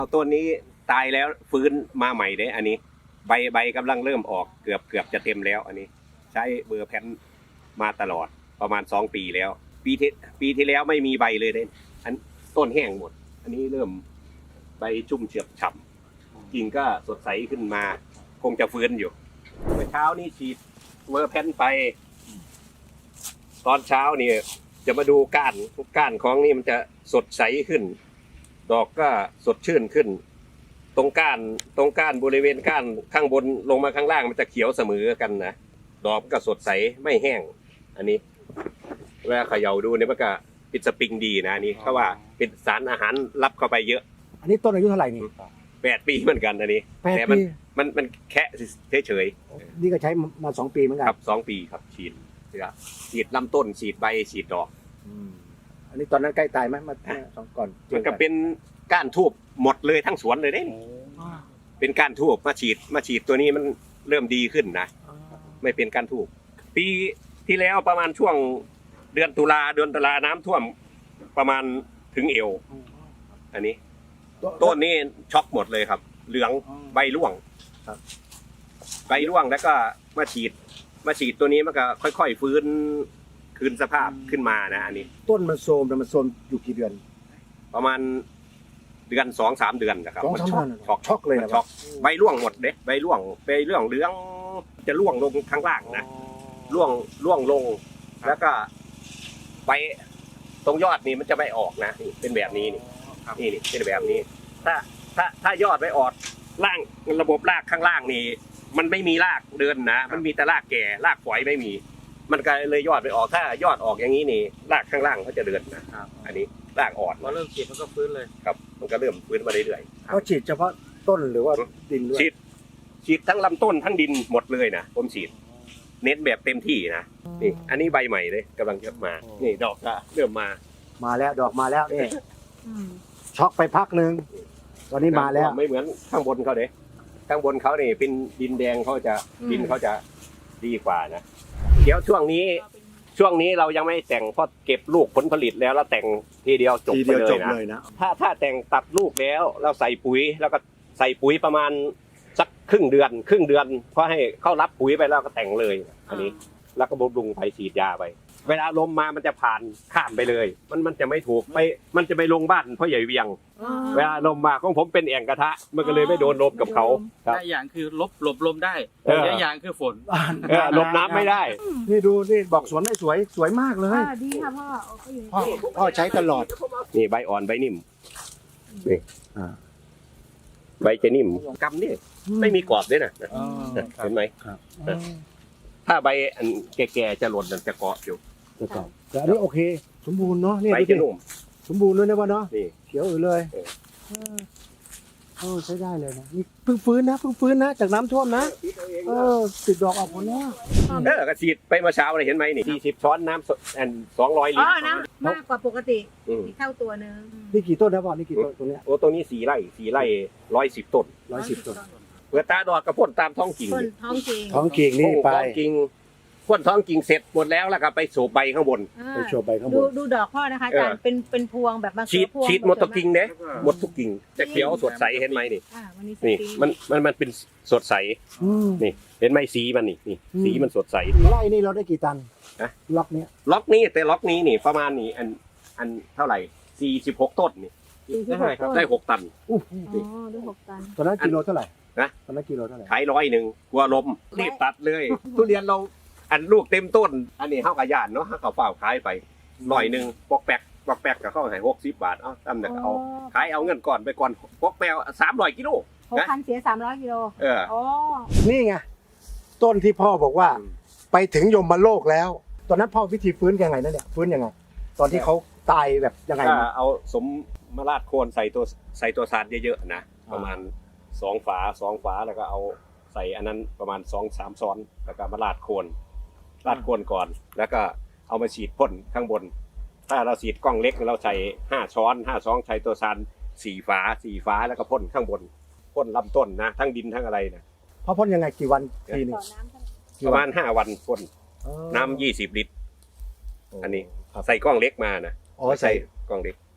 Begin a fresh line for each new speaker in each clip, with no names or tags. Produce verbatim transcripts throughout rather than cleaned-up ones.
ต้นนี้ตายแล้วฟื้นมาใหม่เด้อันนี้ใบใบกำลังเริ่มออกเกือบเกือบจะเต็มแล้วอันนี้ใช้เบอร์แพนมาตลอดประมาณสองปีแล้วปีที่ปีที่แล้วไม่มีใบเลยเด้อันต้นแห้งหมดอันนี้เริ่มใบชุ่มเฉียบฉ่ำกิ่งก็สดใสขึ้นมาคงจะฟื้นอยู่เมื่อเช้านี้ฉีดเบอร์แพนไปตอนเช้านี่จะมาดูก้านก้านของนี่มันจะสดใสขึ้นดอกก็สดชื่นขึ้นตรงก้านตรงก้านบริเวณก้านข้างบนลงมาข้างล่างมันจะเขียวเสมอกันนะดอกก็สดใสไม่แห้งอันนี้เวลาเขย่าดูเนี่ยมันก็เป็นสปริงดีนะอันนี้เพราะว่าเป็นสารอาหารรับเข้าไปเยอะ
อันนี้ต้นอายุเท่าไหร่นี่
แปดปีเหมือนกันอันนี้
แปด
แต่มัน
ปี
มันมันแค่เฉย
นี่ก็ใช้มาสองปีเหมือน
ๆ
กัน
ครับสองปีครับฉีดฉีดลำต้นฉีดใบฉีดดอก
อันนี้ตอนนั้นใกล้ตายไหมมาสองก่อน
มันก็เป็นก้านทูบหมดเลยทั้งสวนเลยเด้เป็นก้านทูบมาฉีดมาฉีดตัวนี้มันเริ่มดีขึ้นนะไม่เป็นก้านทูบปีที่แล้วประมาณช่วงเดือนตุลาเดือนตุลาน้ำท่วมประมาณถึงเอวอันนี้ต้นนี้ช็อกหมดเลยครับเหลืองใบร่วงใบร่วงแล้วก็มาฉีดมาฉีดตัวนี้มันก็ค่อยๆฟื้นคืนสภาพขึ้นมานะอันนี้
ต้นมันโทรมแต่มันโทรมอยู่กี่เดือน
ประมาณเดือนสองสามเดือนนะครับ
สอง
มัน
สาม
ช็อก
เดือนช็อกเลย
มัน
นะ
ช็อกใบร่วงหมดเด้ใบร่วงใบร่วงเหลืองจะร่วงลงข้างล่างนะร่วงร่วงลงแล้วก็ใบตรงยอดนี่มันจะไม่ออกนะนี่เป็นแบบนี้นี่นี่นี่เป็นแบบนี้ ถ้าถ้าถ้ายอดไม่ออกล่างระบบรากข้างล่างนี่มันไม่มีรากเดินนะมันมีแต่รากแก่รากฝอยไม่มี มันก็เลยยอดไม่ออกถ้ายอดออกอย่างนี้นี่รากข้างล่างเขาจะเดินนะอันนี้รากอ่อน
พอเริ่มฉีดมันก็ฟื้นเลย
ครับมันก็เริ่มฟื้นมาเรื่อย
เขาฉีดเฉพาะต้นหรือว่าดินด้ว
ๆ
ย
ฉีดฉีดทั้งลำต้นทั้งดินหมดเลยนะผมฉีดเน้นแบบเต็มที่นะนี่อันนี้ใบใหม่เลยกำลังจะมานี่ดอกก็เริ่มมา
มาแล้วดอกมาแล้วนี่ช็อกไปพักหนึ่งตอนนี้มาแล้ว
ไม่เหมือนข้างบนเขาเด้ข้างบนเขาเนี่ยเป็นดินแดงเขาจะดินเขาจะดีกว่านะเดี๋ยวช่วงนี้ช่วงนี้เรายังไม่แต่งเพราะเก็บลูกผลผลิตแล้วแล้วแต่งทีเดียวจบ
ที
ไป
เดียว
เล
จ
ย
บ
นะ
เลยนะ
ถ้าถ้าแต่งตัดลูกแล้วเราใส่ปุ๋ยแล้วก็ใส่ปุ๋ยประมาณสักครึ่งเดือน ครึ่งเดือนพอให้เข้ารับปุ๋ยไปแล้วก็แต่งเลยอันนี้แล้วก็บำรุงไปฉีดยาไปเวลาลมมามันจะผ่านข้ามไปเลย มันมันจะไม่ถูกไปมันจะไปลงบ้านพ่อใหญ่เวียง เวลาลมมาของผมเป็นแอ่งกระทะมันก็เลยไม่โดนลมกับเขาครับ
ได้อย่างคือลบหลบลมได้
เออ
ได้อย่างคือฝน
เออหลบน้ำไม่ได้
นี่ดูนี่บอกสวนไม่สวยสวยมากเลย
อ่าดีค่ะพ่อเอาไปอยู่
พ่อพ่อใช้ตลอด
นี่ใบอ่อนใบนิ่มนี่
อ่า
ใบจะนิ่มกำนี่ไม่มีกรอบด้วยนะ
อ๋อ
เห็นไหม
ครับ
ถ้าใบอันแก่ๆจะหล่นมันจะเกาะอยู่
แล้วก็แต่อันนี้โอเค สมบูรณ์เนาะนี่
ใบ
ดู
จะ
สิ
นุ่ม
สมบูรณ์ด้วยนะพ่อเนาะ
นี่
เขียวอือเลย
เออ
เออเออใช้ได้เลยนะนี่เพิ่งฟื้นนะเพิ่งฟื้นนะจากน้ำท่วมนะเออติดดอกออกผลแล้ว
เออกระฉีดไปเมื่อเช้าเลยเห็นไหมนี่สี่สิบช้อนน้ำสดอันสองร้อยลิ
อ๋
ต
อ
ร
นะมากกว่าปกติ
อืม
อีกเท่าตัวนึง
นี่กี่ต้นนะพ่อนี่กี่ต้นตรงเนี้ย
โอ้ตรงนี้สี่ไร่สี่ไร่ร้อยสิบต้น
ร้อยสิบต้น
เมื่อตาดอดกระพ่นตามท้องกิ่ง
คนท้องจริง
ท้องกิ่งนี่ไป
ท้องกิ่งพ่นท้องกิ่งเสร็จหมดแล้วแล้วก็ไปสูบใบข้างบน
อ่า
ไปโชว์ใบข้างบ
ดู
น
ดูดอกพ่อนะคะอาจารย์เป็นเป็นพวงแบบบาง
ฉีด
พวง
ฉีดหมดทุกกิ่งเด้หมดทุกกิ่งจะเขียวสดใสเห็นไหมนี่
อ่าวันนี้ส
นี่
ปริง
มันมันมันเป็นสดใส
อืม
นี่เห็นไหมสีมันนี่นี่
อืม
สีมันสดใส
ไร่นี่เราได้กี่ตัน
ฮะ
ล็อกเนี้ย
ล็อกนี้แต่ล็อกนี้นี่ประมาณนี่อันอันเท่าไหร่สี่สิบหกต้นนี่
สี่สิบหกต้น
ได้หกตัน
อู้
อ๋อด้วยหกตัน
ตอนนั้นกิโลเท่าไหร่
นะ
ตอนนั้นกิโลเท่าไหร่
ขายร้อยหนึ่งกลัวลมรีบตัดเลย ทุเรียนเราอันลูกเต็มต้น อันนี้เท่ากับยานเนาะเท่ากับเฝ้าขายไปร้อยหนึ่งปอกแปกปอกแปกกับเข้าใหายหกสิบบาทเอ้าตั้มเนี่ยเอาขายเอาเงินก่อนไปก่อนปอกแปกสามร้อยกิโล
หกพันเสียสามร้อยกิโล
เออ
อ๋อ
นี่ไงต้นที่พ่อบอกว่า
อืม
ไปถึงยมโลกแล้ว ตอนนั้นพ่อวิธีฟื้นยังไงนั่นเนี่ยฟื้นยังไง ตอนที่เขาตายแบบยังไง
ถ้า
นะ
เอาสมมาราดโคนใส่ตัวใส่ตัวสารเยอะๆนะประมาณสองฝาสองฝาแล้วก็เอาใส่อันนั้นประมาณสองสามซ้อนแล้วก็มาราดโคนราดโคนก่อน แล้วก็เอามาฉีดพ่นข้างบน ถ้าเราฉีดกล้องเล็กเราใส่ห้าช้อนห้าช้อนใช้ตัวสารสี่ฝาสี่ฝาแล้วก็พ่นข้างบนพ่นลำต้นนะทั้งดินทั้งอะไรนะ
พ่อพ่นยังไงกี่วันทีหนึง
ต่อน้ำเท่าไหร่
กี่
ประ
วั
มาณห้าวันพ่น
อ๋อ
น้ำยี่สิบลิตร อันนี้
ครับ
ใส่กล้องเล็กมานะ
อ๋อใส่
กล้องเล็ก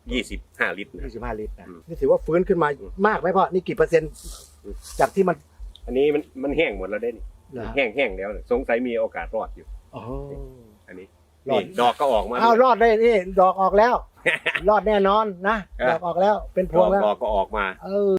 ยี่สิบห้าลิตรนะ
ยี่สิบห้าลิตรนะ
อืม
นี่ถือว่าฟื้นขึ้นมามากไหมพ่อนี่กี่เปอร์เซ็นต์
อืม
จากที่มัน
อันนี้มันมันแห้งหมดแล้วเด้นี่
เหรอ
แห้งแห้งแล้วเนี่ยสงสัยมีโอกาสรอดอยู่
อ๋อ
อันนี้
รอด
นี่ดอกก็ออกมา
อ้าวรอดได้นี่ดอกออกแล้ว รอดแน่นอนนะ
เออ
ดอกออกแล้วเป็นพ
ด
ว
อง ก
แล้ว
ดอกก็ออกมา
เออ